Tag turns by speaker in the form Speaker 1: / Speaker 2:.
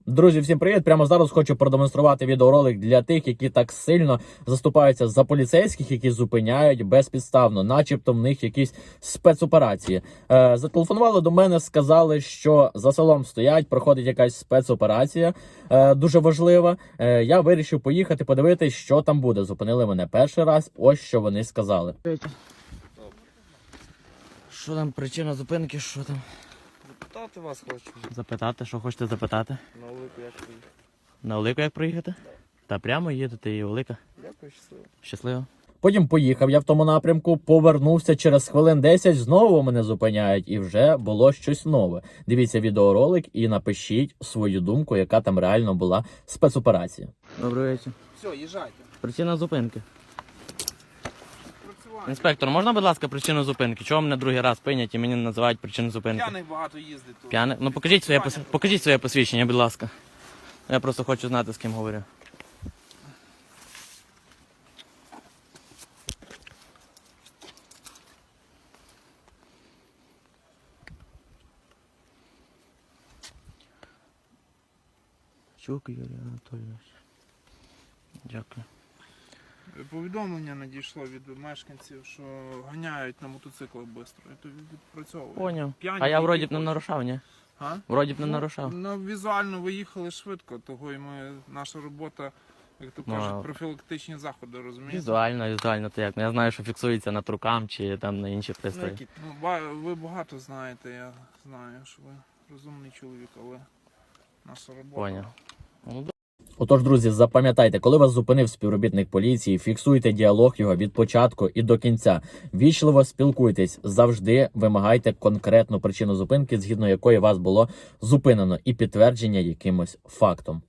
Speaker 1: Друзі, всім привіт! Прямо зараз хочу продемонструвати відеоролик для тих, які так сильно заступаються за поліцейських, які зупиняють безпідставно, начебто в них якісь спецоперації. Зателефонували до мене, сказали, що за селом стоять, проходить якась спецоперація, дуже важлива. Я вирішив поїхати, подивитись, що там буде. Зупинили мене перший раз, ось що вони сказали. Що там, причина зупинки, що там?
Speaker 2: Запитати вас хочу.
Speaker 1: Запитати, що хочете запитати?
Speaker 2: На Олику як приїхати?
Speaker 1: На Олику як проїхати? Та прямо їдете і Олика.
Speaker 2: Дякую, щасливо.
Speaker 1: Щасливо. Потім поїхав я в тому напрямку, повернувся через хвилин 10, знову мене зупиняють і вже було щось нове. Дивіться відеоролик і напишіть свою думку, яка там реально була спецоперація. Добрий вечір.
Speaker 2: Все, їжджайте.
Speaker 1: Причина зупинки.
Speaker 2: Працювання.
Speaker 1: Інспектор, можна, будь ласка, причину зупинки? Чого мене другий раз пинять і мені називають причину зупинки?
Speaker 2: П'яних багато їздить тут.
Speaker 1: П'яне? Ну покажіть своє посвідчення, будь ласка. Я просто хочу знати, з ким говорю. Чук Юрій Анатолійович. Дякую.
Speaker 2: Повідомлення надійшло від мешканців, що ганяють на мотоциклах швидко. І то відпрацьовують.
Speaker 1: Поняв.
Speaker 2: П'яні,
Speaker 1: А я
Speaker 2: які
Speaker 1: вроді б не
Speaker 2: хочуть.
Speaker 1: нарушав, ні?
Speaker 2: А?
Speaker 1: Вроді б не нарушав.
Speaker 2: Ну, візуально ви їхали швидко, того і наша робота, як то кажуть, профілактичні заходи, розумієте?
Speaker 1: Візуально, то як? Ну, я знаю, що фіксується на трукам чи там на інші пристрої.
Speaker 2: Ви багато знаєте, я знаю, що ви розумний чоловік, але наша робота.
Speaker 1: Поняв. Отож, друзі, запам'ятайте, коли вас зупинив співробітник поліції, фіксуйте діалог його від початку і до кінця. Вічливо спілкуйтесь, завжди вимагайте конкретну причину зупинки, згідно якої вас було зупинено, і підтвердження якимось фактом.